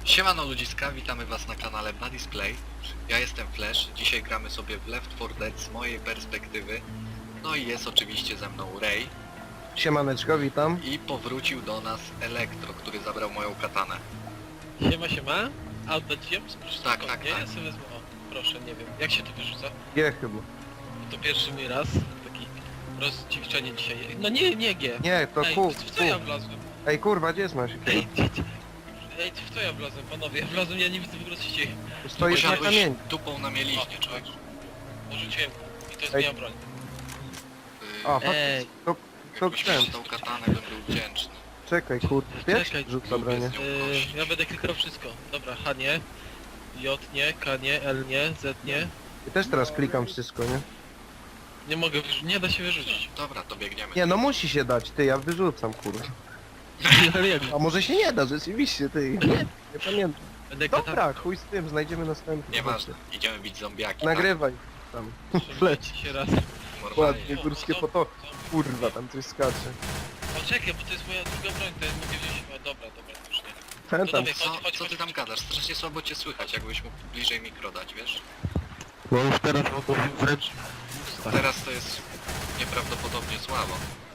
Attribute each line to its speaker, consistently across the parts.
Speaker 1: Siemano ludziska, witamy was na kanale Buddy's Play. Ja jestem Flash, dzisiaj gramy sobie w Left 4 Dead z mojej perspektywy. No i jest oczywiście ze mną Ray.
Speaker 2: Siemaneczko, witam.
Speaker 1: I powrócił do nas Elektro, który zabrał moją katanę.
Speaker 3: Siema. A oddać ją? Proszę
Speaker 1: Tak,
Speaker 3: tylko,
Speaker 1: tak,
Speaker 3: nie?
Speaker 1: tak.
Speaker 3: Ja sobie wezmę, o, proszę, nie wiem. Jak się to wyrzuca?
Speaker 2: G chyba.
Speaker 3: To pierwszy mój raz. Taki rozdziwczenie dzisiaj. No nie G.
Speaker 2: Nie, to
Speaker 3: Ej,
Speaker 2: Q.
Speaker 3: w co ja wlazłem?
Speaker 2: Ej kurwa, gdzie jest masz?
Speaker 3: Ej, w co ja wlazłem, panowie? Ja wlazłem, ja nie widzę w ogóle co się dzieje.
Speaker 2: Tu stoisz na
Speaker 1: Posiadłeś
Speaker 2: kamieniu.
Speaker 1: dupą na mieliźnie, człowiek.
Speaker 3: Porzuciłem i to jest
Speaker 2: Ej.
Speaker 3: moja broń.
Speaker 2: A, chodź,
Speaker 3: Ej,
Speaker 2: to
Speaker 1: Jakbyś
Speaker 2: ten.
Speaker 1: miał tą katanę, bym był wdzięczny.
Speaker 2: Czekaj, kurde. Wiesz?
Speaker 3: Czekaj.
Speaker 2: Rzucam bronię.
Speaker 3: ja będę klikał wszystko. Dobra, H nie, J nie, K nie, L nie, Z nie.
Speaker 2: I też teraz klikam wszystko, nie?
Speaker 3: Nie mogę, nie da się wyrzucić.
Speaker 1: Dobra, to biegniemy.
Speaker 2: Nie, no musi się dać, ty, ja wyrzucam, kurwa.
Speaker 3: Ale jak?
Speaker 2: A może się nie da, rzeczywiście, ty. Nie pamiętam.
Speaker 3: Będę
Speaker 2: Dobra, chuj z tym, znajdziemy następny.
Speaker 1: Nieważne, idziemy bić zombiaki.
Speaker 2: Nagrywaj tam.
Speaker 3: Leci się raz.
Speaker 1: Tak? Normalnie.
Speaker 2: Ładnie, górskie foto. Kurwa, tam coś skacze.
Speaker 3: O czekaj, bo to jest moja druga broń, to jest mogę wziąć. O dobra, już nie.
Speaker 2: Ten
Speaker 3: To
Speaker 2: tam.
Speaker 3: dawaj,
Speaker 1: Co ty tam gadasz? Strasznie słabo cię słychać, jakbyś mógł bliżej mikro dać, wiesz?
Speaker 3: No już teraz mogę wręcz...
Speaker 1: Teraz to jest nieprawdopodobnie słabo.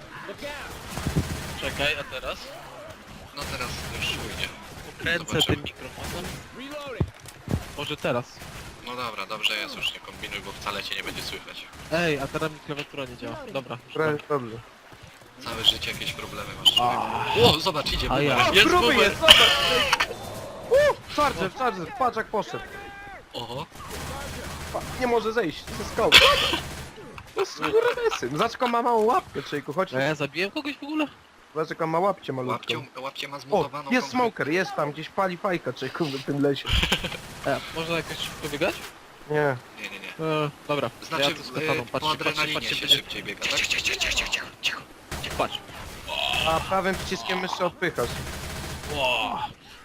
Speaker 3: Czekaj, a teraz?
Speaker 1: No teraz już czujnie.
Speaker 3: Kręcę
Speaker 1: Zobaczymy.
Speaker 3: tym mikrofonem. Może teraz.
Speaker 1: No dobra, dobrze jest, już nie kombinuj, bo wcale cię nie będzie słychać.
Speaker 3: Ej, a teraz mi klawiatura nie działa. Dobra.
Speaker 2: Prawie dobrze.
Speaker 1: Całe życie jakieś problemy masz, człowiek. O, zobacz, idzie
Speaker 3: A ja.
Speaker 1: boomer.
Speaker 3: Jest
Speaker 2: Gruby
Speaker 3: boomer.
Speaker 2: jest, zobacz! Charger, patrz jak poszedł.
Speaker 1: Oho,
Speaker 2: Nie może zejść ze skały. No skurwysyn. Zobacz, jaką ma małą łapkę, człowieku, chodź.
Speaker 3: A ja zabiłem kogoś w ogóle?
Speaker 2: Zobacz, jaką ma łapcie malutką.
Speaker 1: łapcie ma
Speaker 2: O,
Speaker 1: zmutowaną
Speaker 2: jest
Speaker 1: konkret-
Speaker 2: smoker, jest tam, gdzieś pali fajka, człowieku, w tym lesie.
Speaker 3: Można jakoś szybko biegać?
Speaker 2: Nie.
Speaker 1: Nie.
Speaker 3: Dobra.
Speaker 1: Znaczy,
Speaker 3: ja tu z kataną,
Speaker 1: po adrenalinie się szybciej biega, tak?
Speaker 3: Cicho. Patrz.
Speaker 2: A prawym przyciskiem myszy odpychasz.
Speaker 3: Wow.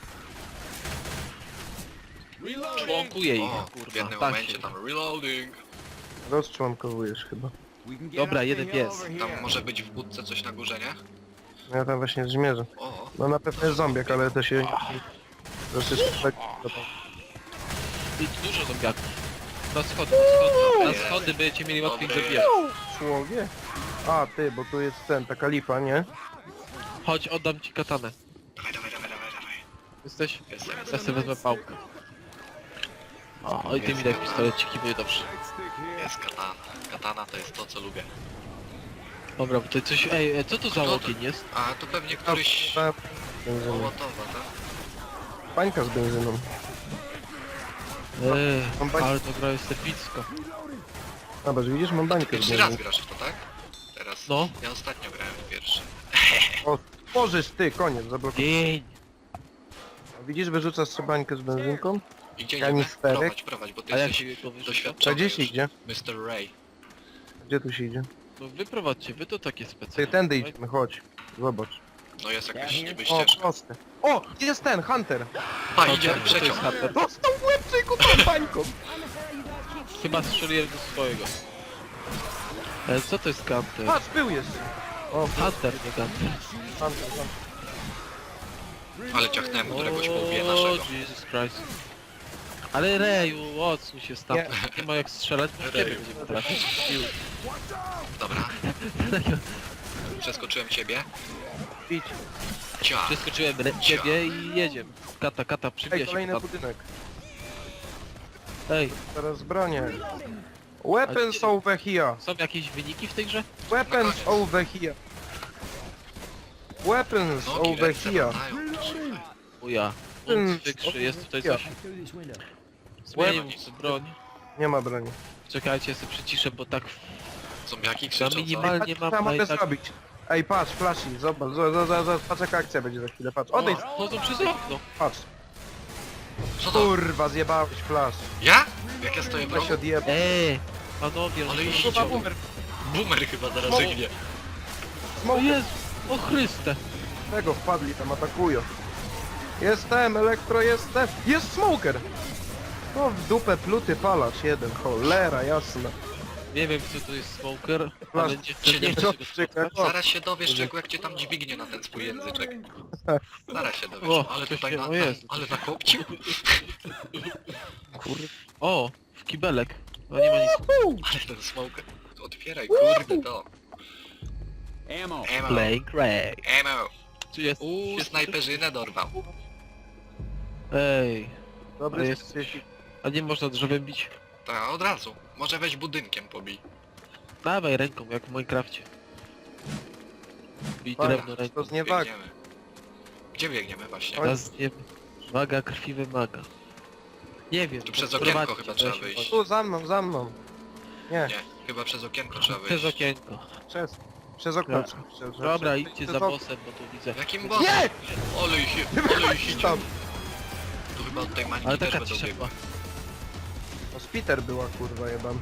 Speaker 3: Członkuję ich,
Speaker 1: O, w
Speaker 3: kurwa.
Speaker 1: jednym
Speaker 3: tak
Speaker 1: momencie
Speaker 3: się-
Speaker 1: tam reloading.
Speaker 2: Rozczłonkowujesz chyba.
Speaker 3: Dobra, jeden pies.
Speaker 1: Tam może być w budce coś na górze, nie?
Speaker 2: Ja tam właśnie zmierzę.
Speaker 1: O,
Speaker 2: No na pewno jest zombiak, ale to się... Troszeczkę tak...
Speaker 3: I dużo zombiaków. Na schody, na schody będziecie mieli łatwiej
Speaker 1: Dobry.
Speaker 3: zabijać.
Speaker 2: Człowiek? A, ty, bo tu jest ten, taka lipa, nie?
Speaker 3: Chodź, oddam ci katanę.
Speaker 1: dawaj.
Speaker 3: Jesteś?
Speaker 1: Jestem.
Speaker 3: Ja sobie wezmę pałkę. O, i ty mi daj pistoleciki, będzie dobrze.
Speaker 1: Jest katana. Katana to jest to, co lubię.
Speaker 3: Dobra, bo to coś... Ej, co to za
Speaker 1: Kto to?
Speaker 3: ogień jest?
Speaker 1: A, to pewnie któryś...
Speaker 2: Ta... benzyna.
Speaker 1: Mołotowa, tak?
Speaker 2: Pańka z benzyną. Mam bań-
Speaker 3: Ale to gra jest epicko.
Speaker 2: Zobacz, widzisz, mam bańkę z
Speaker 1: Pierwszy raz
Speaker 2: benzyną.
Speaker 1: grasz w to, tak? Teraz.
Speaker 3: No.
Speaker 1: Ja ostatnio grałem w pierwszy.
Speaker 2: O, tworzysz ty, koniec, zablokuj.
Speaker 3: Dzień.
Speaker 2: Widzisz, wyrzucasz sobie bańkę z benzynką?
Speaker 1: Idzie,
Speaker 2: Kanisterek.
Speaker 1: prowadź, bo ty
Speaker 3: A jak
Speaker 1: jesteś
Speaker 3: się go wyrzuca?
Speaker 1: doświadczony
Speaker 2: Gdzie się
Speaker 1: już.
Speaker 2: idzie?
Speaker 1: Mr. Ray.
Speaker 2: Gdzie tu się idzie?
Speaker 3: No wyprowadźcie, wy to takie
Speaker 2: Ty
Speaker 3: specjalne.
Speaker 2: tędy idziemy, chodź. Zobacz.
Speaker 1: No jest jakaś niby
Speaker 2: O,
Speaker 1: ścieżka.
Speaker 2: proste. O, jest ten, Hunter!
Speaker 1: Pa,
Speaker 3: To
Speaker 1: idzie,
Speaker 3: jest
Speaker 1: przeciąg.
Speaker 3: Hunter.
Speaker 2: Dostał w łeb, człowieku, tą bańką!
Speaker 3: Chyba strzeliłem do swojego. Co to jest Gunter?
Speaker 2: Patrz, był jeszcze! O,
Speaker 3: Hunter, nie Gunter.
Speaker 2: Hunter, Hunter.
Speaker 1: Ale ciachnęłem któregoś po łbie naszego.
Speaker 3: Jesus Christ. Ale Reju, odsuń się stamtąd. Nie ma jak strzelać, bo w ciebie
Speaker 1: Reju.
Speaker 3: będziemy trafić.
Speaker 1: Dobra. Przeskoczyłem
Speaker 2: Idź.
Speaker 1: Cia.
Speaker 3: Przeskoczyłem ciebie i jedziemy. Kata,
Speaker 2: Ej,
Speaker 3: przybija się
Speaker 2: kolejny
Speaker 3: tam.
Speaker 2: budynek.
Speaker 3: Ej,
Speaker 2: Teraz bronię. Weapons over here.
Speaker 3: są jakieś wyniki w tej grze?
Speaker 2: Weapons over here. Weapons
Speaker 1: Nogi,
Speaker 2: over
Speaker 1: ręce
Speaker 2: here.
Speaker 1: latają. Słuchaj.
Speaker 3: Uja. Wykrzy, jest tutaj coś. Zmienił broń.
Speaker 2: Nie ma broni.
Speaker 3: Czekajcie, ja sobie przyciszę, bo tak
Speaker 1: Zombiaki
Speaker 3: na
Speaker 1: krzyczą, co?
Speaker 3: minimalnie
Speaker 2: Patrz,
Speaker 3: mam
Speaker 2: co ja mogę
Speaker 3: i tak...
Speaker 2: zrobić. Ej, patrz, flashy, zobacz, zobacz, patrz jaka akcja będzie za chwilę, patrz. Odejdź,
Speaker 3: Chodzą przez okno.
Speaker 2: patrz.
Speaker 1: Co to?
Speaker 2: Kurwa, zjebałeś flash.
Speaker 1: Ja? Jak ja stoję w
Speaker 2: Ja się
Speaker 1: rogu?
Speaker 2: odjebał.
Speaker 3: Panowie,
Speaker 1: Ale
Speaker 3: no
Speaker 1: idź,
Speaker 3: to
Speaker 2: Kurwa,
Speaker 1: idzie.
Speaker 2: boomer.
Speaker 1: Boomer chyba zaraz
Speaker 2: No.
Speaker 1: żygnie.
Speaker 3: O
Speaker 2: Smoker.
Speaker 3: Jezu, o Chryste.
Speaker 2: Tego wpadli tam, atakują. Jestem, elektro jestem. Jest smoker! No w dupę pluty palacz jeden, cholera jasna.
Speaker 3: Nie wiem co to jest smoker,
Speaker 2: Masz
Speaker 3: ale nie chcę
Speaker 1: się
Speaker 3: nie
Speaker 1: nie
Speaker 3: chcę się go
Speaker 2: dostrzyk,
Speaker 3: spotkać.
Speaker 1: Zaraz się dowiesz, czego jak cię tam dźwignie na ten swój języczek. Zaraz się dowiesz,
Speaker 3: O,
Speaker 1: ale
Speaker 3: coś
Speaker 1: tutaj
Speaker 3: się-
Speaker 1: na,
Speaker 3: o Jezu,
Speaker 1: ale nakopcił.
Speaker 3: O, w kibelek. No nie ma nic.
Speaker 1: Ale ten smoker. Otwieraj, kurde to.
Speaker 4: Ammo.
Speaker 1: Emo,
Speaker 3: Playing Ray.
Speaker 1: emo.
Speaker 3: Czy jest?
Speaker 1: Snajperzynę dorwał.
Speaker 3: Ej,
Speaker 2: Dobry
Speaker 3: Ale
Speaker 2: jest...
Speaker 3: a nie można drzewem bić?
Speaker 1: Tak, od razu. Może weź budynkiem pobij.
Speaker 3: Dawaj ręką, jak w Minecrafcie. Bij
Speaker 2: Dobra,
Speaker 3: drewno ręką.
Speaker 2: To z niewag.
Speaker 1: Biegniemy. Gdzie biegniemy właśnie?
Speaker 3: Teraz nie... Waga krwi wymaga. Nie wiem.
Speaker 1: Tu przez
Speaker 3: prowadźcie,
Speaker 1: okienko chyba
Speaker 3: to
Speaker 1: trzeba
Speaker 3: ja się
Speaker 1: wyjść.
Speaker 2: Tu, za mną, za mną. Nie,
Speaker 1: Nie, chyba przez okienko trzeba
Speaker 3: boję. Przez
Speaker 1: wyjść.
Speaker 3: okienko.
Speaker 2: przez okno.
Speaker 3: Dobra.
Speaker 2: Przez-
Speaker 3: Dobra,
Speaker 2: przez-
Speaker 3: idźcie
Speaker 2: przez
Speaker 3: za
Speaker 2: okno.
Speaker 3: bossem, bo tu widzę.
Speaker 1: Jakim bossem?
Speaker 2: Nie!
Speaker 1: Olej się, olej się.
Speaker 2: Tam.
Speaker 1: Tu chyba od tej
Speaker 3: Ale
Speaker 1: maniki też
Speaker 3: taka
Speaker 1: będą
Speaker 3: cisza
Speaker 1: biegły.
Speaker 3: była.
Speaker 2: No Spiter była kurwa jebana.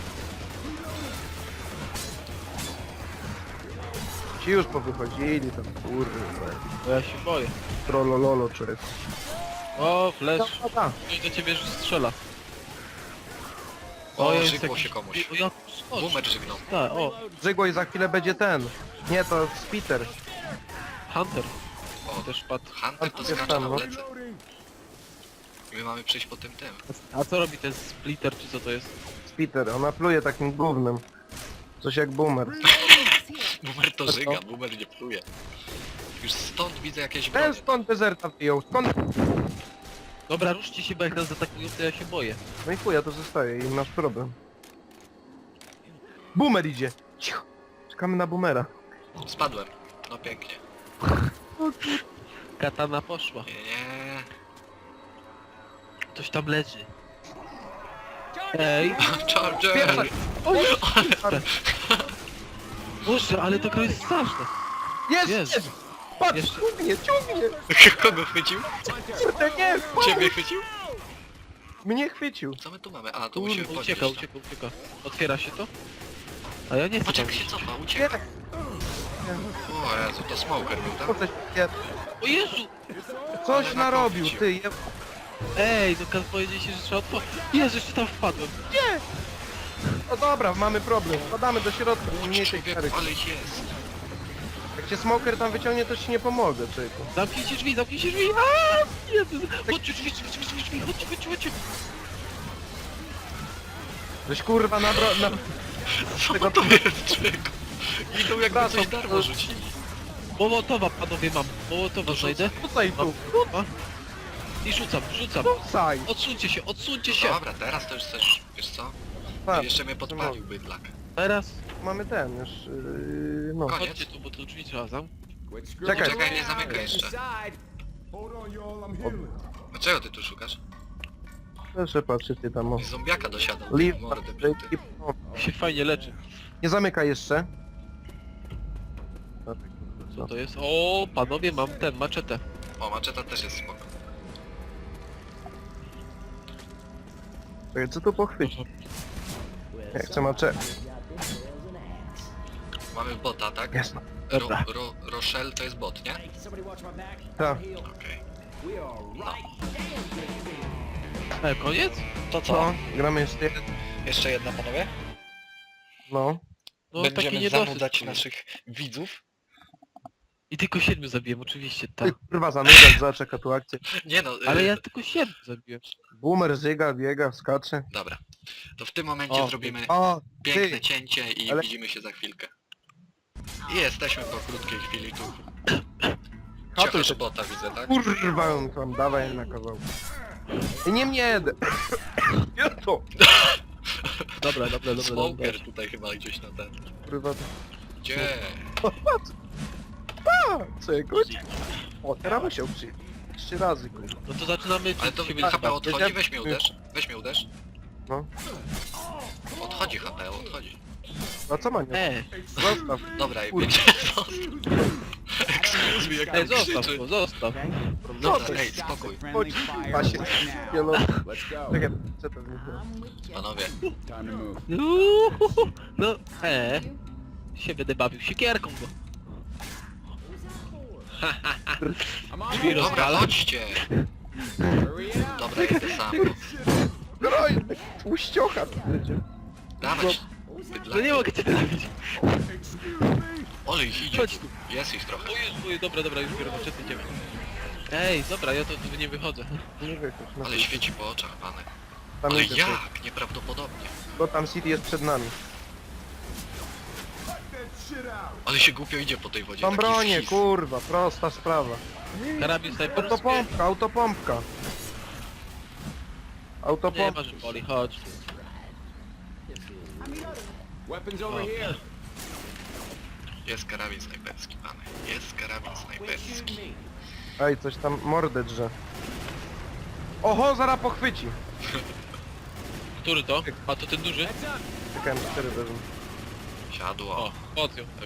Speaker 2: Ci już powychodzili tam kurwa.
Speaker 3: Bo ja się boję.
Speaker 2: Trollololo czy jest.
Speaker 3: O, flash.
Speaker 2: Dobra.
Speaker 3: Ktoś do ciebie już strzela.
Speaker 1: O,
Speaker 3: jest
Speaker 1: żygło
Speaker 3: jakiś-
Speaker 1: się komuś.
Speaker 3: O, jak skocz.
Speaker 1: Boomer żygnął.
Speaker 3: Tak, o,
Speaker 2: Żygło i za chwilę będzie ten. Nie, to Spiter.
Speaker 3: Hunter.
Speaker 1: O,
Speaker 3: Też padł.
Speaker 1: Hunter to
Speaker 2: Jest
Speaker 1: skacze
Speaker 2: tam,
Speaker 1: na
Speaker 2: no.
Speaker 1: plecy. I my mamy przyjść po tym.
Speaker 3: A co robi ten splitter, czy co to jest?
Speaker 2: Spiter, ona pluje takim gównem. Coś jak boomer.
Speaker 1: Boomer to żyga, boomer nie pluje. Już stąd widzę jakieś
Speaker 2: Ten
Speaker 1: bronie.
Speaker 2: skąd dezerta wyjął? Skąd?
Speaker 3: Dobra, ruszcie się, bo jak nas zaatakują, to ja się boję.
Speaker 2: No i chuja, to zostaje i nasz problem. Boomer idzie. Cicho. Czekamy na boomera.
Speaker 1: Spadłem. No pięknie.
Speaker 3: Katana poszła.
Speaker 1: Nie.
Speaker 3: Ktoś tam leży. Ej,
Speaker 1: Charger!
Speaker 3: Boże, ale ta gra jest straszna.
Speaker 2: Jest!
Speaker 3: Jest.
Speaker 2: Jest! Patrz,
Speaker 3: Jeszcze.
Speaker 2: ciągnie, ciągnie!
Speaker 1: Kogo chwycił?
Speaker 2: Kurde, nie!
Speaker 1: Ciebie chwycił?
Speaker 2: Mnie chwycił.
Speaker 1: Co my tu mamy? A, tu musimy
Speaker 3: Kurwa,
Speaker 1: podnieść.
Speaker 3: ucieka,
Speaker 1: to.
Speaker 3: ucieka. Otwiera się to? A ja nie chcę
Speaker 1: Patrz
Speaker 3: tam
Speaker 1: jak się
Speaker 3: iść.
Speaker 1: cofa,
Speaker 2: Nie
Speaker 1: ucieka.
Speaker 2: tak.
Speaker 1: O Jezu, to smoker był,
Speaker 2: Co
Speaker 1: tak?
Speaker 2: coś, nie,
Speaker 3: O Jezu!
Speaker 2: coś
Speaker 1: Ale
Speaker 2: narobił,
Speaker 1: nakopcił.
Speaker 2: ty.
Speaker 3: Ej, no kan powiedzieć się, że trzeba otworzyć. Jezu, jeszcze tam wpadłem.
Speaker 2: No dobra, mamy problem. Wpadamy do środka.
Speaker 1: O
Speaker 2: Mniej tej
Speaker 1: człowieku,
Speaker 2: kary.
Speaker 1: ale jest.
Speaker 2: Jak cię smoker tam wyciągnie, to ci nie pomogę, człowieku.
Speaker 3: Zamknijcie drzwi, zamknijcie drzwi! Aaaa! Jezu! Chodźcie, drzwi, chodźcie, chodźcie.
Speaker 2: Żeś kurwa na...
Speaker 1: Co to jest, człowieku? Idą jakby
Speaker 2: Wracam.
Speaker 1: coś darmo rzucili.
Speaker 3: Mołotowa, panowie, mam. Mołotowa
Speaker 1: No
Speaker 3: znajdę.
Speaker 2: Rzucaj tu,
Speaker 3: A? I rzucam.
Speaker 2: rzucaj.
Speaker 3: Odsuńcie się.
Speaker 1: Dobra, teraz to już chcesz, wiesz co?
Speaker 2: Tak,
Speaker 1: Jeszcze mnie podpalił bydlak.
Speaker 3: Teraz
Speaker 2: mamy ten już... no.
Speaker 1: Koniec.
Speaker 3: chodźcie tu, bo tu drzwi trzeba zamknąć.
Speaker 4: Quit
Speaker 2: Czekaj.
Speaker 1: Czekaj, nie zamykaj jeszcze.
Speaker 4: Hold on, y'all. I'm healing.
Speaker 1: Dlaczego ty tu szukasz?
Speaker 2: Proszę patrzcie ty tam o.
Speaker 1: I zombiaka dosiadł.
Speaker 2: Leave.
Speaker 1: Mordy bruty.
Speaker 3: Się fajnie leczy.
Speaker 2: Nie zamykaj jeszcze.
Speaker 3: Co to jest? O, panowie, mam ten, maczetę.
Speaker 1: O, maczeta też jest spoko.
Speaker 2: Czekaj, co tu pochwycić? Ja chcę macze.
Speaker 1: Mamy bota, tak?
Speaker 2: Jasno.
Speaker 3: Dobra.
Speaker 1: Rochelle to jest bot, nie?
Speaker 2: Tak.
Speaker 1: Okej.
Speaker 3: Koniec?
Speaker 1: To
Speaker 2: Co? Gramy jeszcze jeden.
Speaker 1: Jeszcze jedna, panowie?
Speaker 2: No.
Speaker 3: No taki
Speaker 1: Będziemy
Speaker 3: niedosyt.
Speaker 1: zanudzać naszych widzów.
Speaker 3: I tylko 7 zabiłem, oczywiście,
Speaker 2: Ty
Speaker 3: tak.
Speaker 2: kurwa zanudzać, zaczeka tu akcję.
Speaker 1: Nie no,
Speaker 3: Ale ja tylko 7 zabiłem.
Speaker 2: Boomer żyga, biega, skacze.
Speaker 1: Dobra. To w tym momencie
Speaker 3: O,
Speaker 1: zrobimy
Speaker 2: O,
Speaker 1: piękne
Speaker 2: ty!
Speaker 1: cięcie i
Speaker 2: Ale-
Speaker 1: widzimy się za chwilkę. I jesteśmy po krótkiej chwili tu.
Speaker 2: Hatuj
Speaker 1: Ciekasz
Speaker 2: się.
Speaker 1: bota widzę, tak?
Speaker 2: Kurwa, on tam dawaj na kawał. I nie mnie! Ja to!
Speaker 3: Dobra.
Speaker 1: Smoker tutaj chyba gdzieś na ten.
Speaker 2: Kurwa,
Speaker 1: Gdzie?
Speaker 2: czegoś? O, teraz my się uczy. 3 razy, kurwa.
Speaker 3: No to zaczynamy...
Speaker 1: Ale to
Speaker 3: się
Speaker 1: HP odchodzi,
Speaker 2: wiedziałem-
Speaker 1: weź mnie uderz. Weź mnie uderz.
Speaker 2: No.
Speaker 1: Odchodzi HP, odchodzi.
Speaker 2: A co ma nie? Zostaw.
Speaker 1: Dobra, i
Speaker 2: Kurwa.
Speaker 1: będzie zostaw. Excuse me, jak
Speaker 3: Ej,
Speaker 1: tam
Speaker 3: zostaw
Speaker 1: krzyczy.
Speaker 3: go, zostaw.
Speaker 1: Dobra,
Speaker 2: to
Speaker 1: ej, spokój.
Speaker 2: Chodź, Pasie. Nie no.
Speaker 4: Let's go.
Speaker 2: Czekaj, co to nie
Speaker 1: Panowie,
Speaker 4: Time to move.
Speaker 3: No, się będę bawił sikierką go.
Speaker 4: I'm on
Speaker 3: Drzwi
Speaker 4: it.
Speaker 1: dobra,
Speaker 3: rozwala.
Speaker 1: chodźcie.
Speaker 4: Hurry it up.
Speaker 1: Dobra, idę sam.
Speaker 2: Groj! Tłuściocha tu będzie.
Speaker 1: Dawać.
Speaker 3: No nie mogę cię trafić.
Speaker 1: Ale ich idzie.
Speaker 3: Chodź tu.
Speaker 1: Jest ich trochę.
Speaker 3: Oj, dobra, już biorę maszety, idziemy. Ej, dobra, ja to nie wychodzę.
Speaker 2: Nie wychodź, no.
Speaker 1: Ale świeci po oczach, panek.
Speaker 2: Tam
Speaker 1: Ale
Speaker 2: idzie,
Speaker 1: jak? Nieprawdopodobnie.
Speaker 2: Bo tam City jest przed nami.
Speaker 4: That shit out.
Speaker 1: Ale się głupio idzie po tej wodzie.
Speaker 2: Tam
Speaker 1: taki
Speaker 2: bronię,
Speaker 1: schizm.
Speaker 2: kurwa, prosta sprawa.
Speaker 3: Karabin snajperski.
Speaker 2: Autopompka, autopompka.
Speaker 3: Nie
Speaker 2: Autopompka.
Speaker 3: ma, że boli, chodź.
Speaker 4: Weapons over
Speaker 3: O.
Speaker 4: here.
Speaker 1: Jest karabin snajperski, panek. Jest karabin snajperski.
Speaker 2: Ej, coś tam mordę drze. Oho, zaraz pochwyci.
Speaker 3: Który to? A to ten duży?
Speaker 2: Czekałem, 4 wezmę.
Speaker 1: Siadło.
Speaker 3: O, chodź ją.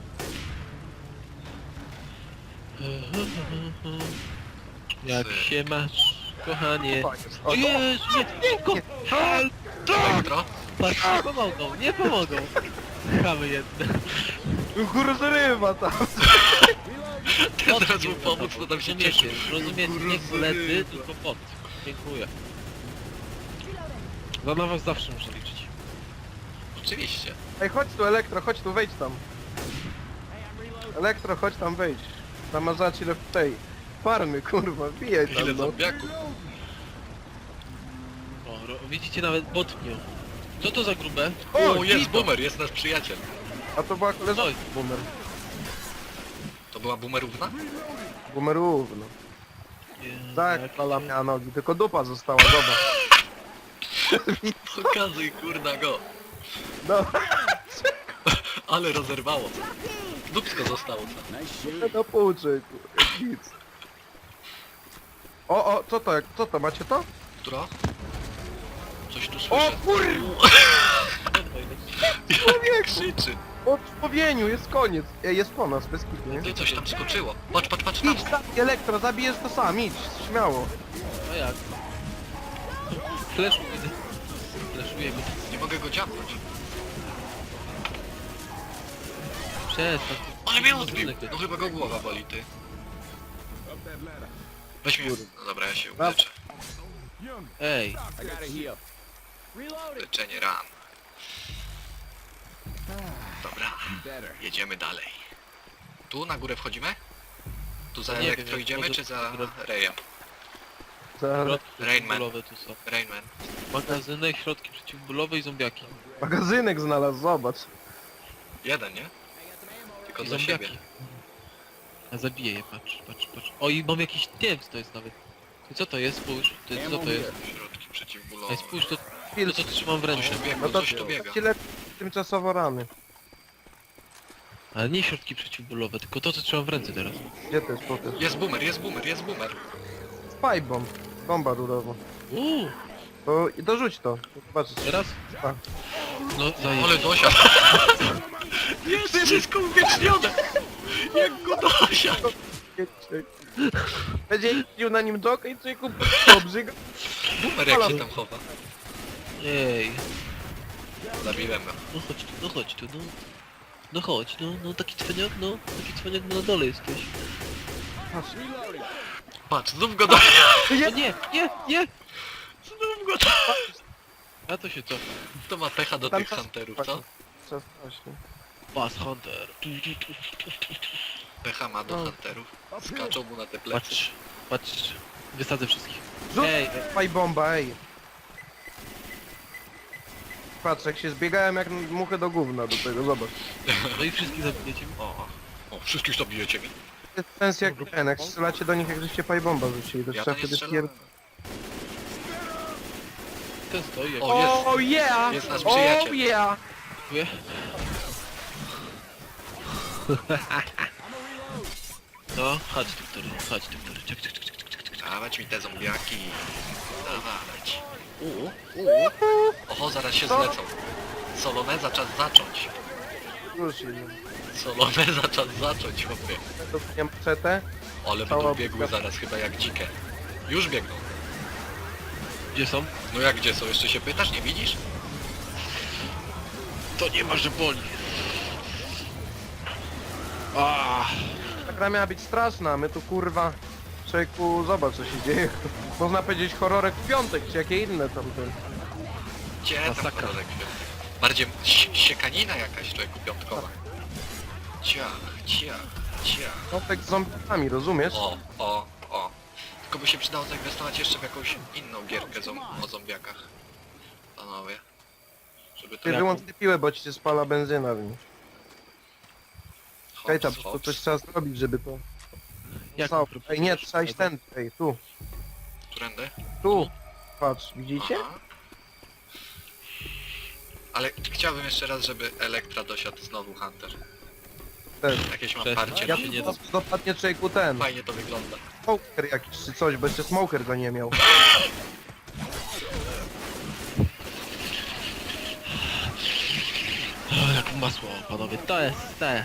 Speaker 3: Jak
Speaker 1: Syk.
Speaker 3: się masz, kochanie?
Speaker 2: O,
Speaker 3: O Jezu, nie, go! Help!
Speaker 1: Elektro?
Speaker 3: Patrz, nie pomogą. Chamy jedne.
Speaker 2: Kurwa, ryba tam.
Speaker 1: Teraz mu pomóc, to tam się cieszy.
Speaker 3: Rozumiecie, nie koledzy, tylko pot. Dziękuję. Za na was zawsze muszę liczyć.
Speaker 1: Oczywiście.
Speaker 2: Ej, chodź tu, Elektro, chodź tu, wejdź tam. Elektro, chodź tam, wejdź. Namazać ile w tej farmy, kurwa, bijaj
Speaker 1: Ile
Speaker 2: tam, no.
Speaker 1: zombiaków.
Speaker 3: O, widzicie nawet botnią. Co to za grube?
Speaker 1: O, jest
Speaker 3: Tito.
Speaker 1: boomer, jest nasz przyjaciel.
Speaker 2: A to była
Speaker 3: Oj.
Speaker 2: koleżanka boomer.
Speaker 1: To była boomerówna?
Speaker 2: Boomerów, no. Tak,
Speaker 3: Jak
Speaker 2: pala
Speaker 3: się-
Speaker 2: miała nogi, tylko dupa została, zobacz.
Speaker 1: Pokazuj kurna go.
Speaker 2: No,
Speaker 1: Ale rozerwało. Dupsko zostało.
Speaker 4: Nice
Speaker 2: na pół, człowieku, jak nic. O, co to, macie to?
Speaker 1: Która? Coś tu
Speaker 2: O
Speaker 1: słyszę.
Speaker 2: kurwa,
Speaker 1: Jak krzyczy.
Speaker 2: o człowieniu, jest koniec. Ej, jest po nas, bez kitu, nie?
Speaker 1: Ty coś tam skoczyło. Patrz, patrz, patrz tam.
Speaker 2: Idź, Elektro, zabijesz to sam, idź, śmiało.
Speaker 3: A jak? Fleszuję. Fleszuję go.
Speaker 1: Nie mogę go dziabnąć.
Speaker 3: Przestań.
Speaker 1: Ale mnie odbił. No chyba go głowa boli, ty.
Speaker 4: Up that ladder.
Speaker 1: Weź mnie. No dobra, ja się uleczę.
Speaker 4: Young,
Speaker 3: Ej,
Speaker 4: I gotta heal.
Speaker 1: Leczenie ran. Dobra,
Speaker 4: Better.
Speaker 1: jedziemy dalej. Tu na górę wchodzimy? Tu za
Speaker 3: Nie wiem,
Speaker 1: elektro
Speaker 3: jak
Speaker 1: idziemy,
Speaker 3: może-
Speaker 1: czy za Rejem?
Speaker 2: Za
Speaker 3: środki
Speaker 1: Rainman.
Speaker 3: przeciwbólowe tu są.
Speaker 1: Rainman.
Speaker 3: Magazynek, środki przeciwbólowe i zombiaki.
Speaker 2: magazynek znalazł, zobacz.
Speaker 1: Jeden, nie? Tylko
Speaker 3: I
Speaker 1: dla
Speaker 3: zombiaki.
Speaker 1: siebie.
Speaker 3: A zabiję je, patrz. O, i mam jakiś tiems to jest nawet. I co to jest? Spójrz. Co to jest?
Speaker 1: Środki przeciwbólowe.
Speaker 3: Ej, spójrz, to
Speaker 2: Chwil,
Speaker 3: co trzymam w ręce.
Speaker 1: Coś tu biega,
Speaker 2: no to
Speaker 1: coś tu biega.
Speaker 2: ci lepiej tymczasowo rany.
Speaker 3: Ale nie środki przeciwbólowe, tylko to co trzymam w ręce teraz.
Speaker 2: Gdzie to jest potem?
Speaker 1: Jest boomer, jest boomer, jest boomer.
Speaker 2: Spy bomb. Bomba rurowa. To dorzuć to. Zobaczysz.
Speaker 3: Teraz?
Speaker 2: Tak.
Speaker 3: No,
Speaker 1: Ale
Speaker 3: zajebiście.
Speaker 1: dosiadł. Jest wszystko uwiecznione. Jak go dosiadł.
Speaker 2: Będzie jeździł na nim dok i człowieku obrzyga.
Speaker 1: Boomer jak się tam chowa.
Speaker 3: Ej,
Speaker 1: Zabiłem go.
Speaker 3: no chodź tu, no. No chodź, no taki cwaniak, no na dole jesteś.
Speaker 1: Patrz, znów go dosiadł.
Speaker 3: O nie!
Speaker 1: Znów go dosiadł.
Speaker 3: A to się cofa.
Speaker 1: To ma pecha do
Speaker 2: Tam
Speaker 1: tych
Speaker 2: czas-
Speaker 1: hunterów, co?
Speaker 2: Czas właśnie.
Speaker 3: Bass Hunter.
Speaker 1: Pecha ma do
Speaker 2: No.
Speaker 1: hunterów. Skaczą mu na te plecy.
Speaker 3: Patrz. Wysadzę wszystkich.
Speaker 2: Rzuć
Speaker 3: Ej,
Speaker 2: spy bomba, ej. Patrz, jak się zbiegałem jak muchy do gówna do tego, zobacz.
Speaker 3: no i wszystkich zabijecie.
Speaker 1: O, wszystkich zabijecie mi.
Speaker 2: To jest sens jak ten, jak strzelacie do nich jak żeście spy bomba rzucili, to
Speaker 1: Ja
Speaker 2: trzeba
Speaker 1: to nie
Speaker 2: wtedy
Speaker 1: strzelałem.
Speaker 3: Ten stoi, jak
Speaker 1: O, jest.
Speaker 2: Oh yeah!
Speaker 1: Jest nasz przyjaciel.
Speaker 2: Oh yeah!
Speaker 3: dziękuję. No, chodź tu, który. Czek.
Speaker 1: Dawać mi te zombiaki. Dawać. Oho, zaraz się
Speaker 2: Co?
Speaker 1: zlecą. Soloneza czas zacząć.
Speaker 2: Już nie.
Speaker 1: Soloneza czas zacząć, chłopie.
Speaker 2: To nie maczetę.
Speaker 1: Ale
Speaker 2: Cała
Speaker 1: będą biegły
Speaker 2: buka.
Speaker 1: zaraz chyba jak dzikie. Już biegną.
Speaker 3: Gdzie są?
Speaker 1: No jak gdzie są? Jeszcze się pytasz? Nie widzisz?
Speaker 3: To nie ma, że boli. Ah.
Speaker 2: Ta gra miała być straszna, my tu kurwa... Człowieku, zobacz co się dzieje. Można powiedzieć horrorek w piątek, czy jakie inne tamte.
Speaker 1: Gdzie tam
Speaker 3: Masakra.
Speaker 1: kolorek? Bardziej siekanina jakaś, człowieku, piątkowa. Ciach, ciach, ciach.
Speaker 2: No tak z zombikami, rozumiesz?
Speaker 1: O. Tylko by się przydało zainwestować jeszcze w jakąś inną gierkę o zombiakach. Panowie. Żeby to
Speaker 2: Ty wyłącz tę piłę, bo ci się spala benzyna w nim. Czekaj tam, to coś trzeba zrobić, żeby to...
Speaker 3: Jak
Speaker 2: Co?
Speaker 3: próbujesz?
Speaker 2: Ej, nie, trzeba iść ten, ej, tu,
Speaker 1: Którędy?
Speaker 2: tu. Patrz, widzicie?
Speaker 1: Aha. Ale chciałbym jeszcze raz, żeby Elektra dosiadł znowu Hunter.
Speaker 2: Też.
Speaker 1: Jakieś mam
Speaker 3: Przestań.
Speaker 1: parcie.
Speaker 2: Ja
Speaker 3: się nie
Speaker 2: tu dopadnie człowieku ten,
Speaker 1: Fajnie to wygląda.
Speaker 2: smoker jakiś czy coś, bo jeszcze smoker go nie miał.
Speaker 3: O, jak masło, panowie. To jest ta.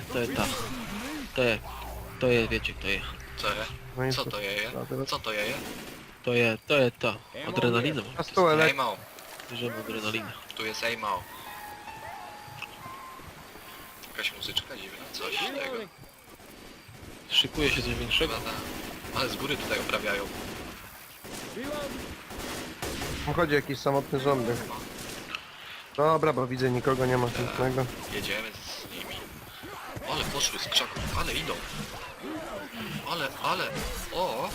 Speaker 3: To jest, wiecie kto je.
Speaker 1: Co je?
Speaker 2: No i
Speaker 1: Co to jeje? Co to jeje?
Speaker 3: To jest to. Adrenalina.
Speaker 2: A tu elek...
Speaker 1: Aimał.
Speaker 3: Bierzemy adrenalinę.
Speaker 1: Tu jest Aimał. Jakaś muzyczka dziwna, coś tego.
Speaker 3: Szykuje się coś większego.
Speaker 1: Chyba ale z góry tutaj uprawiają.
Speaker 2: Tam chodzi jakiś samotny zombie. Dobra, bo widzę nikogo nie ma chętnego.
Speaker 1: Jedziemy z nimi. Ale poszły z krzaków, ale idą. Ale, o!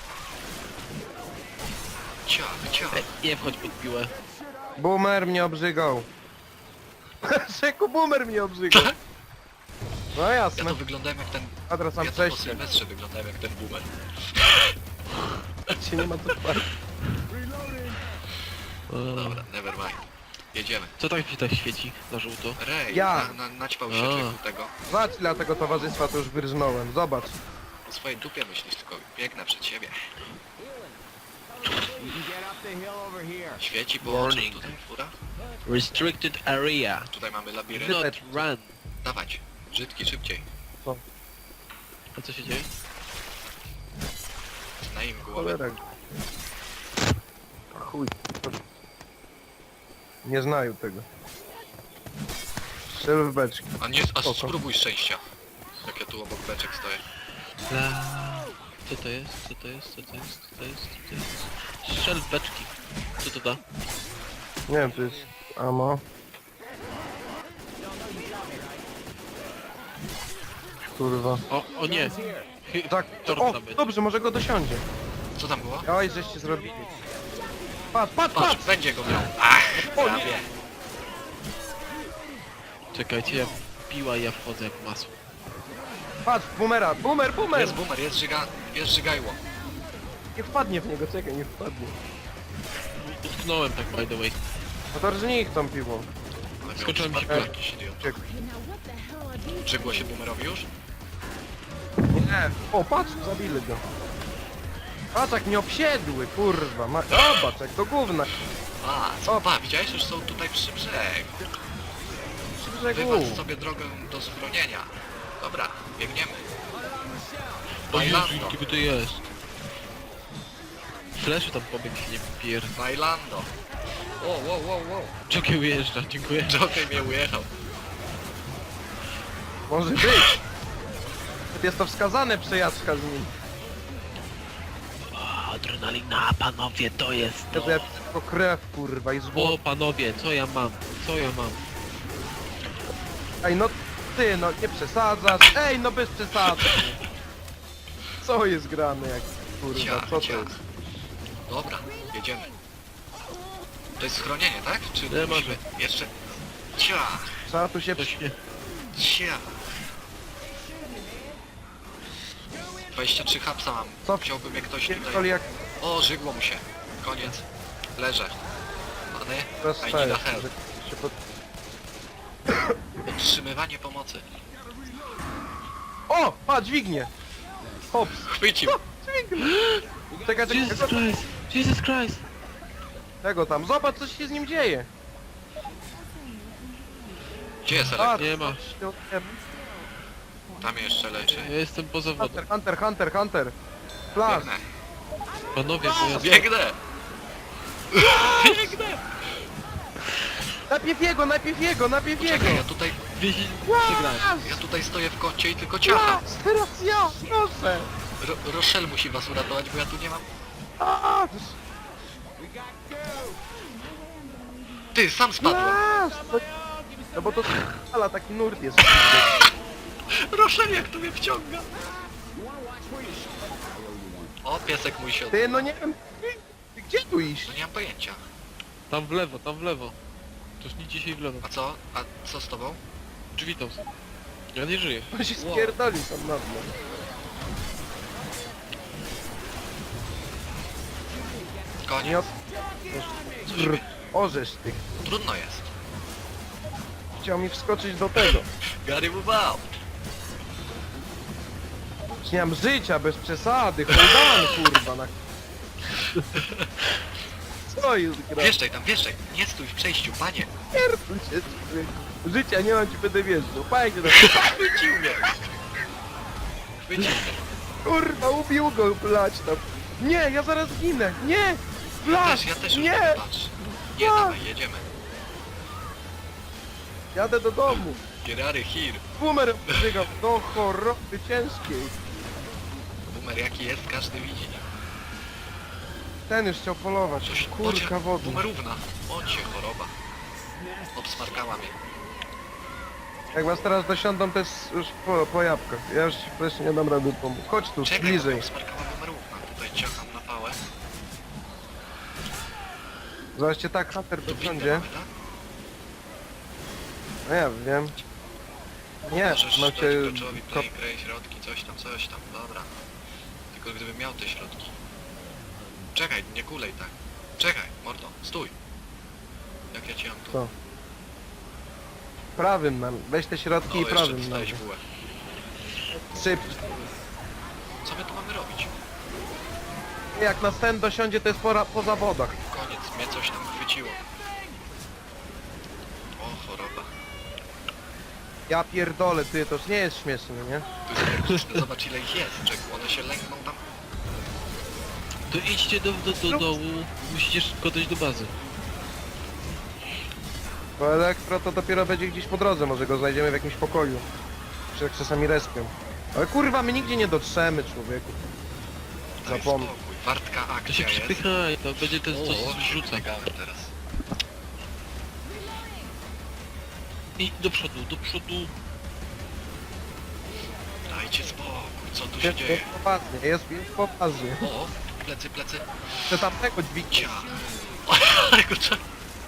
Speaker 1: Ciach.
Speaker 3: Ej, nie wchodź pod piłę.
Speaker 2: Boomer mnie obrzygał. Szeku, boomer mnie obrzygał. No
Speaker 1: Ja
Speaker 2: jasne.
Speaker 1: to wyglądałem jak ten...
Speaker 2: A teraz mam
Speaker 1: Ja to po
Speaker 2: przejście.
Speaker 1: Sylwestrze wyglądałem jak ten boomer.
Speaker 2: Się nie ma co spać.
Speaker 1: Dobra, never mind. Jedziemy.
Speaker 3: Co tak się tak świeci na żółto?
Speaker 1: Rej,
Speaker 2: Ja.
Speaker 1: naćpał się
Speaker 3: A.
Speaker 1: człowieku tego.
Speaker 2: Zobacz ile tego towarzystwa to już wyrżnąłem. Zobacz.
Speaker 1: O swojej dupie myślisz, tylko biegnę przed siebie.
Speaker 4: You can get up the hill over here.
Speaker 1: Świeci po
Speaker 3: Warning.
Speaker 1: oczach tutaj fura.
Speaker 3: Restricted area.
Speaker 1: Tutaj mamy labirynt.
Speaker 3: Not run.
Speaker 1: Dawać. Brzydki, szybciej.
Speaker 3: A co się dzieje?
Speaker 1: Na im głowę.
Speaker 2: Cholera. Chuj. Nie znają tego. Strzel w beczki.
Speaker 1: A
Speaker 2: Spoko.
Speaker 1: spróbuj szczęścia. Jak ja tu obok beczek stoję.
Speaker 3: La... Co to jest? Co to jest? Co to jest? Co to jest? Co to jest? Strzel w beczki. Co to da?
Speaker 2: Nie wiem, to jest ammo. Kurwa.
Speaker 3: O nie!
Speaker 2: Tak,
Speaker 3: Tort
Speaker 2: o,
Speaker 3: tam będzie.
Speaker 2: dobrze, może go dosiądzie.
Speaker 1: Co tam było?
Speaker 2: Oj, żeście zrobili. Patrz, patrz,
Speaker 1: Patrz,
Speaker 2: patrz!
Speaker 1: będzie go miał. Ach,
Speaker 2: O
Speaker 1: prawie.
Speaker 2: nie!
Speaker 3: Czekajcie, ja piła i ja wchodzę jak masło.
Speaker 2: Patrz, boomera, boomer, boomer!
Speaker 1: Jest boomer, jest żygajło.
Speaker 2: Nie wpadnie w niego, czekaj, nie wpadnie.
Speaker 3: Utknąłem tak by the way.
Speaker 2: No to rżnij ich tą piwą.
Speaker 1: Ale miał
Speaker 3: Skoczyłem mi się
Speaker 1: przypadek
Speaker 3: piła.
Speaker 1: jakiś idiot.
Speaker 2: Uciekł.
Speaker 1: Żygło się boomerowi już?
Speaker 2: Nie. O, patrz, zabili go. Patrz, jak nie obsiedły, kurwa. Zobacz, jak do gówna.
Speaker 1: Pa, widziałeś? Już są tutaj przy brzegu.
Speaker 2: Przy brzegu.
Speaker 1: Wywalcz sobie drogę do schronienia. Dobra, biegniemy.
Speaker 3: O Jezu,
Speaker 1: Bailando,
Speaker 3: jakie to jest? Fleszy tam pobiegł się nie pier...
Speaker 1: bailando. Wow.
Speaker 3: Jockey ujeżdża, dziękuję.
Speaker 1: Jockey mnie ujechał.
Speaker 2: Może być. Jest to wskazane przejażdżka z nim.
Speaker 3: O, adrenalina, panowie, to jest
Speaker 2: To
Speaker 3: to.
Speaker 2: ja tylko krew, kurwa, i
Speaker 3: O,
Speaker 2: zło.
Speaker 3: panowie, co ja mam? Co ja mam?
Speaker 2: Ej, no ty, no nie przesadzasz. Ej, no bez przesady. Co jest grane, jak kurwa,
Speaker 1: Ciach,
Speaker 2: co to
Speaker 1: ciach.
Speaker 2: jest?
Speaker 1: Dobra, jedziemy. To jest schronienie, tak? Czy
Speaker 3: Nie,
Speaker 1: musimy jeszcze... Ciach,
Speaker 2: Trzeba tu się...
Speaker 3: Coś nie...
Speaker 1: ciach. 23 hapsa mam.
Speaker 2: Co?
Speaker 1: Chciałbym jak ktoś
Speaker 2: Pierdoli
Speaker 1: tutaj...
Speaker 2: jak
Speaker 1: O, żygło mu się. Koniec. Leżę. Pany, I need
Speaker 2: rozstaje.
Speaker 1: a help.
Speaker 2: Się pod...
Speaker 1: Otrzymywanie pomocy.
Speaker 2: O! Pa, dźwignie! Hops!
Speaker 1: Chwycił.
Speaker 2: Czekaj,
Speaker 3: Jesus
Speaker 2: czekaj,
Speaker 3: Christ! Jesus Christ!
Speaker 2: tego tam. Zobacz, co się z nim dzieje.
Speaker 1: Gdzie jest
Speaker 2: A,
Speaker 1: Elektra?
Speaker 3: Nie ma.
Speaker 1: Tam jeszcze leży.
Speaker 3: Ja jestem poza wodą.
Speaker 2: Hunter. Flash.
Speaker 1: Biegnę.
Speaker 3: Panowie, bo ja...
Speaker 1: Biegnę!
Speaker 2: Najpierw jego!
Speaker 1: Poczekaj, ja tutaj...
Speaker 3: Przegrałem.
Speaker 1: Ja tutaj stoję w kącie i tylko ciacham.
Speaker 2: Teraz ja! Proszę!
Speaker 1: Rochelle musi was uratować, bo ja tu nie mam...
Speaker 2: A,
Speaker 1: Ty, sam spadłem.
Speaker 2: Flash! No bo to ale taki nurt jest.
Speaker 1: Proszę, jak to mnie wciąga. O, piesek mój się
Speaker 2: Ty, no nie wiem, ty gdzie tu iść?
Speaker 1: No nie mam pojęcia.
Speaker 3: Tam w lewo, tam w lewo. Toż nie dzisiaj w lewo.
Speaker 1: A co? A co z tobą?
Speaker 3: Drzwi tam są. Ja nie żyję.
Speaker 2: On się
Speaker 3: Wow.
Speaker 2: spierdolił tam na dno. Nie
Speaker 1: Koniec.
Speaker 2: od... Brr, orzesz ty.
Speaker 1: Trudno jest.
Speaker 2: Chciał mi wskoczyć do tego.
Speaker 1: Gary Bubał.
Speaker 2: Nie mam życia, bez przesady, hold on, kurwa, na... Co jest gra?
Speaker 1: Wjeżdżaj tam, wjeżdżaj. Nie stój w przejściu, panie.
Speaker 2: Pierdol się, człowieku. Życia nie mam, ci będę wjeżdżał. Fajnie, no.
Speaker 1: Chwycił mnie. Chwycił mnie.
Speaker 2: Kurwa, ubił go, blać tam. Nie, ja zaraz ginę, nie! Blać,
Speaker 1: Ja też już
Speaker 2: nie!
Speaker 1: nie. Patrz. Nie,
Speaker 2: A!
Speaker 1: dawaj, jedziemy.
Speaker 2: Jadę do domu.
Speaker 1: Gerary Hir.
Speaker 2: Boomer wzygał do choroby ciężkiej.
Speaker 1: Boomer jaki jest, każdy widzi.
Speaker 2: Ten już chciał polować.
Speaker 1: Coś,
Speaker 2: Kurka wody.
Speaker 1: Boomerówna. Bądź się choroba. Obsmarkała mnie.
Speaker 2: Jak was teraz dosiądą, to jest już po jabłkach. Ja już ci też nie dam rady pomóc. Chodź tu,
Speaker 1: Czekaj,
Speaker 2: bliżej.
Speaker 1: bo obsmarkała boomerówna. Tutaj ciacham na pałę.
Speaker 2: Zobaczcie, tak, Hunter
Speaker 1: Tu windę
Speaker 2: dosiądzie.
Speaker 1: mamy, tak?
Speaker 2: No ja wiem. Nie,
Speaker 1: Możesz
Speaker 2: mam
Speaker 1: dać
Speaker 2: cię...
Speaker 1: graczowi play, graj, środki, coś tam, dobra. Tylko gdybym miał te środki. Czekaj, nie kulej tak. Czekaj, mordo, stój. Jak ja ci mam tu?
Speaker 2: Co? Prawym nam. Weź te środki
Speaker 1: O,
Speaker 2: i
Speaker 1: jeszcze
Speaker 2: prawym nam.
Speaker 1: dostałeś bułę.
Speaker 2: Syp.
Speaker 1: Co my tu mamy robić?
Speaker 2: Jak nas ten dosiądzie, to jest po zawodach.
Speaker 1: Koniec, mnie coś tam chwyciło. O, choroba.
Speaker 2: Ja pierdolę, ty, to już nie jest śmieszne, nie?
Speaker 1: Tu jest elektryczne, zobacz ile ich jest. Czek, one się lękną tam.
Speaker 3: To idźcie do dołu. Musicie szybko dojść do bazy.
Speaker 2: Bo elektro to dopiero będzie gdzieś po drodze, może go znajdziemy w jakimś pokoju. Czy jak czasami respią. Ale kurwa, my nigdzie nie dotrzemy, człowieku.
Speaker 1: Daj
Speaker 2: Zapomnij.
Speaker 1: spokój. Wartka
Speaker 3: To się
Speaker 1: akcja jest.
Speaker 3: przypychaj, to będzie ten coś
Speaker 1: O, się
Speaker 3: zrzuca.
Speaker 1: zbiegałem teraz.
Speaker 3: I do przodu, do przodu.
Speaker 1: Dajcie spokój, co tu się
Speaker 2: Jest
Speaker 1: dzieje?
Speaker 2: poważnie, jest poważnie.
Speaker 1: O, plecy, plecy.
Speaker 2: Chcę tamtego dźwignia.
Speaker 1: Cia. Ale go trzeba...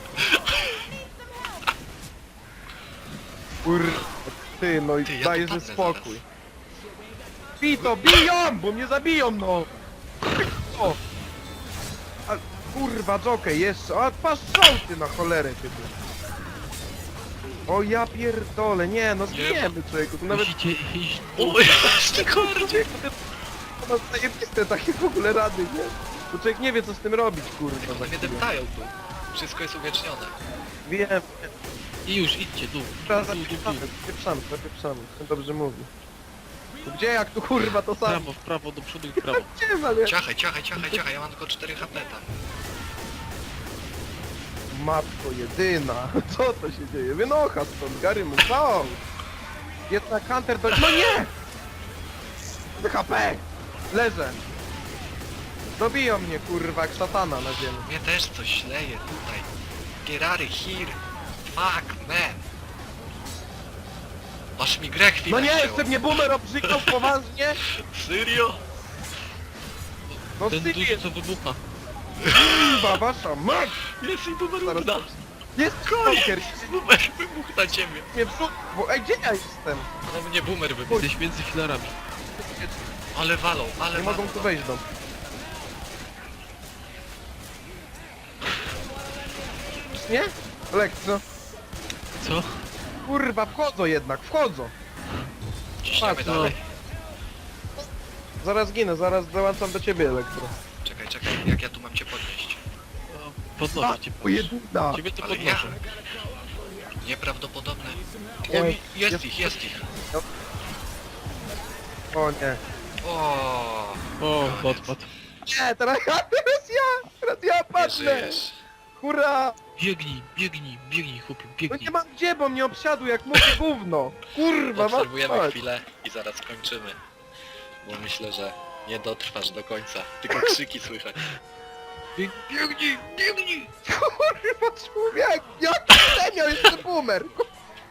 Speaker 2: Kurwa, ty, no i
Speaker 1: Ty, ja
Speaker 2: dajesz
Speaker 1: tu
Speaker 2: ze
Speaker 1: padnę
Speaker 2: spokój. Bij to, biją, bo mnie zabiją, no! O! A, kurwa, Jockey, jeszcze, a patrz ty na cholerę, ty. O ja pierdolę, nie, no zbijemy, człowieku, to nawet
Speaker 3: Musicie iść
Speaker 1: O, jeszcze kordzie.
Speaker 2: to ma zajebiste takie w ogóle rady, nie? To człowiek nie wie, co z tym robić, kurwa.
Speaker 1: One
Speaker 2: za
Speaker 1: mnie
Speaker 2: chwilę.
Speaker 1: deptają tu. Wszystko jest uwiecznione.
Speaker 2: Wiem,
Speaker 3: i już idźcie, dół.
Speaker 2: teraz
Speaker 3: Dół, dół, dół.
Speaker 2: zapieprzamy, ten dobrze mówi. Gdzie, jak tu kurwa, to
Speaker 3: W
Speaker 2: samo?
Speaker 3: prawo, w prawo, do przodu i w prawo.
Speaker 2: Gdzie, ale...
Speaker 1: Ciachaj, ja mam tylko 4 HP tam.
Speaker 2: Matko jedyna, co to się dzieje? Wynocha stąd, Gary mu, co? Jedna Hunter do... No nie! HP! Leżę. Dobiją mnie, kurwa, jak szatana na ziemi.
Speaker 1: Mnie też coś leje tutaj. Gerary here. Fuck, man. Aż mi grę chwilę
Speaker 2: No nie,
Speaker 1: wzięło.
Speaker 2: jeszcze mnie boomer obrzykał poważnie?
Speaker 1: Serio?
Speaker 2: No
Speaker 3: Ten duży
Speaker 2: sypie,
Speaker 3: co wybucha.
Speaker 2: kurwa, wasza mać!
Speaker 1: Jest i boomer
Speaker 2: Zaraz...
Speaker 1: uda.
Speaker 2: Jest stalker,
Speaker 1: Boomer wybuchł na ciebie.
Speaker 2: mnie psu... Bo, ej, gdzie ja jestem?
Speaker 1: No mnie boomer wybuchł.
Speaker 3: Jesteś między filarami.
Speaker 1: Ale walą, ale
Speaker 2: Nie
Speaker 1: walą.
Speaker 2: mogą tu wejść do... Nie? Elektro.
Speaker 3: Co?
Speaker 2: Kurwa, wchodzą jednak, wchodzą.
Speaker 1: Ciśniemy
Speaker 2: Patrz,
Speaker 1: dalej.
Speaker 2: Zaraz ginę, zaraz dołączam do ciebie, Elektro.
Speaker 1: Czekaj, jak ja tu mam cię podnieść?
Speaker 3: O, podnoszę cię.
Speaker 2: O, jedyna.
Speaker 3: Ciebie to
Speaker 1: Ale
Speaker 3: podnoszę.
Speaker 1: Nieprawdopodobne.
Speaker 2: Nie,
Speaker 1: O, jest
Speaker 2: jest-
Speaker 1: ich, jest ich.
Speaker 2: O nie.
Speaker 1: O,
Speaker 3: O,
Speaker 1: koniec.
Speaker 3: odpadł.
Speaker 2: Nie, teraz ja
Speaker 1: Nie
Speaker 2: padnę.
Speaker 1: żyjesz.
Speaker 2: Hurra.
Speaker 3: Biegnij, biegnij, biegnij, chłopie,
Speaker 2: No
Speaker 3: biegnij.
Speaker 2: nie mam gdzie, bo mnie obsiadł jak mówię gówno. Kurwa,
Speaker 1: Obserwujemy
Speaker 2: mać.
Speaker 1: chwilę i zaraz kończymy. Bo myślę, że nie dotrwasz do końca. Tylko krzyki słychać.
Speaker 3: Biegnij, biegnij!
Speaker 2: Kurwa, człowiek, jaki miał jeszcze boomer.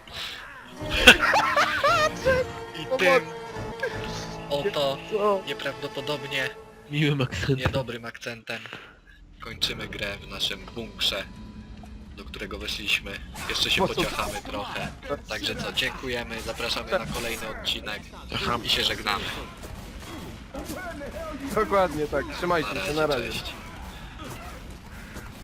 Speaker 1: I tym oto
Speaker 2: Co?
Speaker 1: nieprawdopodobnie
Speaker 3: Miłym akcentem.
Speaker 1: niedobrym akcentem kończymy grę w naszym bunkrze, do którego weszliśmy. Jeszcze się pociachamy trochę. Także co, dziękujemy, zapraszamy na kolejny odcinek i się żegnamy.
Speaker 2: Dokładnie tak, trzymajcie
Speaker 1: Na
Speaker 2: się, na
Speaker 1: razie,
Speaker 2: razie.
Speaker 1: cześć.